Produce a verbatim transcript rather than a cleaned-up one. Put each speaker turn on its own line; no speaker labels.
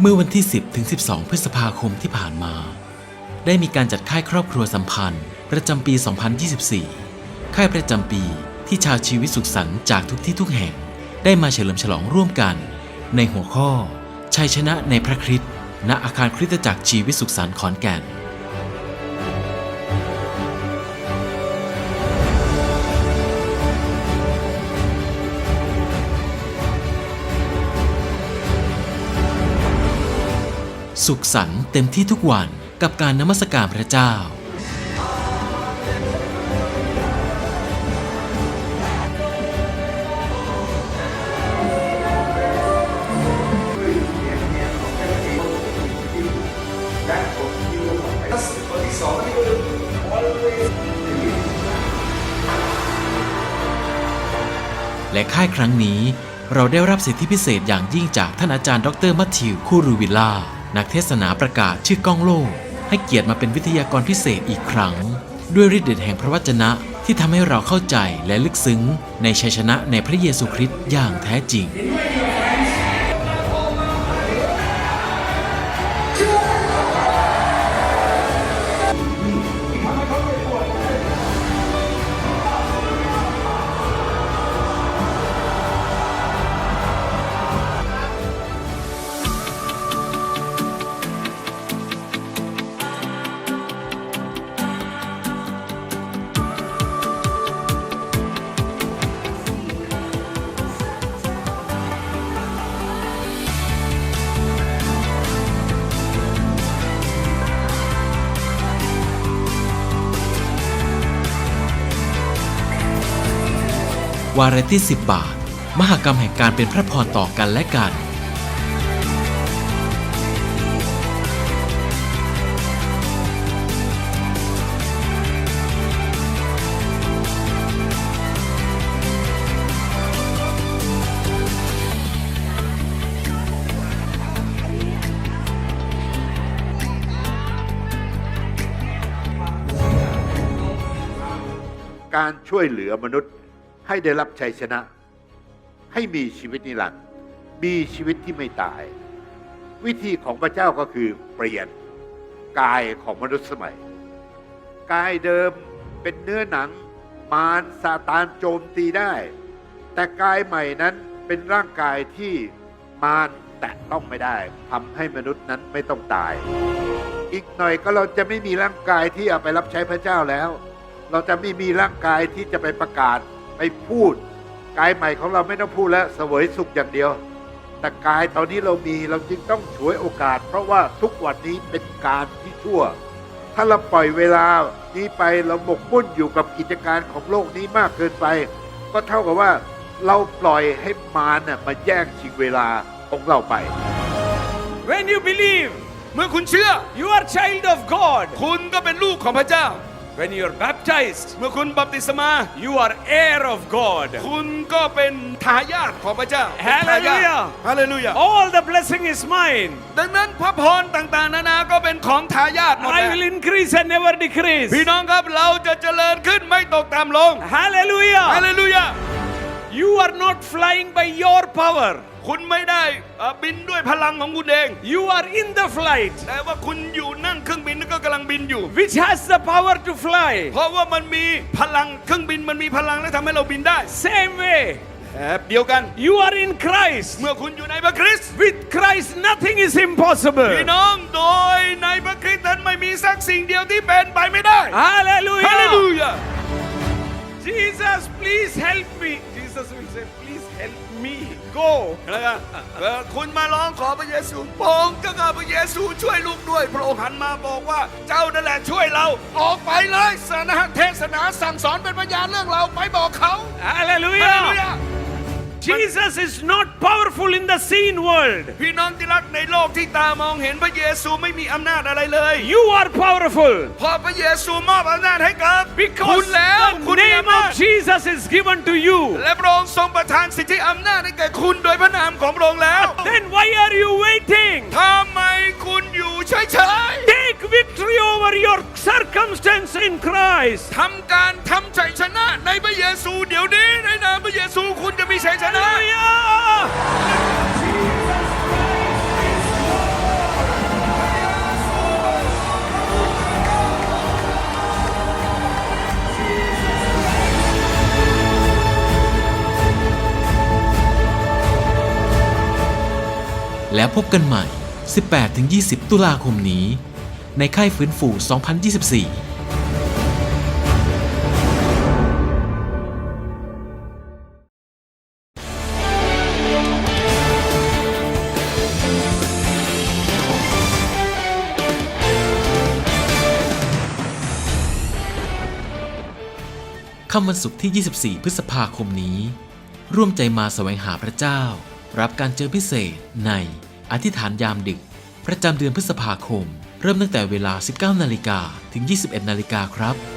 มื่อวันที่ สิบถึงสิบสอง พฤษภาคมที่ผ่านมาได้มีการจัดค่ายครอบครัวสัมพันธ์ประจำปี สองพันยี่สิบสี่ ค่ายประจำปีที่ชาวชีวิตสุขสันต์จากทุกที่ทุกแห่งได้มาเฉลิมฉลองร่วมกันในหัวข้อชัยชนะในพระคริสต์ณอาคารคริสตจักรชีวิตสุขสันต์ขอนแก่นสุขสันต์เต็มที่ทุกวันกับการนมัสการพระเจ้าและค่ายครั้งนี้เราได้รับสิทธิพิเศษอย่างยิ่งจากท่านอาจารย์ดรมัทธิวคูรูวิลล่านักเทศนาประกาศชื่อก้องโลกให้เกียรติมาเป็นวิทยากรพิเศษอีกครั้งด้วยฤทธิ์เดชแห่งพระวจนะที่ทำให้เราเข้าใจและลึกซึ้งในชัยชนะในพระเยซูคริสต์อย่างแท้จริงวาระที่สิบบาทมหกรรมแห่งการเป็นพระพรต่อกันและกัน
การช่วยเหลือมนุษย์ให้ได้รับชัยชนะให้มีชีวิตนิรันดร์มีชีวิตที่ไม่ตายวิธีของพระเจ้าก็คือเปลี่ยนกายของมนุษย์สมัยกายเดิมเป็นเนื้อหนังมารซาตานโจมตีได้แต่กายใหม่นั้นเป็นร่างกายที่มารแตะต้องไม่ได้ทำให้มนุษย์นั้นไม่ต้องตายอีกหน่อยก็เราจะไม่มีร่างกายที่เอาไปรับใช้พระเจ้าแล้วเราจะไม่มีร่างกายที่จะไปประกาศไปพูดกายใหม่ของเราไม่ต้องพูดแล้วเสวยสุขอย่างเดียวแต่กายตอนนี้เรามีเราจึงต้องฉวยโอกาสเพราะว่าทุกวันนี้เป็นการที่ชั่วถ้าเราปล่อยเวลานี้ไปเราหมกมุ่นอยู่กับกิจการของโลกนี้มากเกินไปก็เท่ากับว่าเราปล่อยให้มารน่ะมาแย่งชิงเวลาของเราไป
When you believe
เมื่อคุณเชื่อ
you are child of God
คุณก็เป็นลูกของพระเจ้า
When you are baptized
เมื่อคุณบัพติศมา
you are heir of God
คุณก็เป็นทายาทของพระเจ้า
Hallelujah
ฮาเลลูยา
all the blessing is mine
ดังนั้นพระพรต่างๆนานาก็เป็นของทายาทหมด
I will increase and never decrease
พี่น้องครับเราจะเจริญขึ้นไม่ตกต่ำลง
Hallelujah
ฮาเลลูยา
you are not flying by your power
คุณไม่ได้บินด้วยพลังของคุณเอง
you are in the flight
แต่ว่าคุณอยู่นั่งเครื่องบินก็กำลังบินอยู่
which has the power to fly
เพราะว่ามันมีพลังเครื่องบินมันมีพลังและทำให้เราบินได้
same way
แบบเดียวกัน
you are in Christ
เมื่อคุณอยู่ในพระคริสต์
with Christ nothing is impossible
พี่น้องโดยในพระคริสต์นั้นไม่มีสักสิ่งเดียวที่เป็นไปไม่ได้
Hallelujah
ฮาเลลูยา
Jesus please help me Jesus will say please help me go
นะครับคุณมาร้องขอพระเยซูพระองค์เจ้าข้าพระเยซูช่วยลูกด้วยพระองค์หันมาบอกว่าเจ้านั่นแหละช่วยเราออกไปเลยสนะเทศนาสั่งสอนเป็นพยานเรื่องเราไปบอกเขา
Hallelujah Jesus is not powerful in the seen world
พี่น้องที่รักในโลกที่ตามองเห็นพระเยซูไม่มีอำนาจอะไรเลย
you are powerful
เพราะพระเยซูมอบอำนาจให้กับคุ
because
ณแล้ว
the name of Jesus is given to you
และพระองค์ทรงประทานสิทธิอำนาจให้แก่คุณโดยพระนามของพระองค์แล้ว
then why are you waiting
ทำไมคุณอยู่เฉยๆ
take victory over your circumstance in Christ
ทำการทำชัยชนะในพระเยซูเดี๋ยวนี้ในนามพระเยซูคุณจะมีชัยชนะ
Hallelujah
แล้วพบกันใหม่ สิบแปดถึงยี่สิบ ตุลาคมนี้ ในค่ายฟื้นฟู สองพันยี่สิบสี่ค่ำวันศุกร์ที่ ยี่สิบสี่ พฤษภาคมนี้ ร่วมใจมาแสวงหาพระเจ้า รับการเจอพิเศษในอธิษฐานยามดึก ประจำเดือนพฤษภาคม เริ่มตั้งแต่เวลา สิบเก้านาฬิกา ถึง ยี่สิบเอ็ดนาฬิกาครับ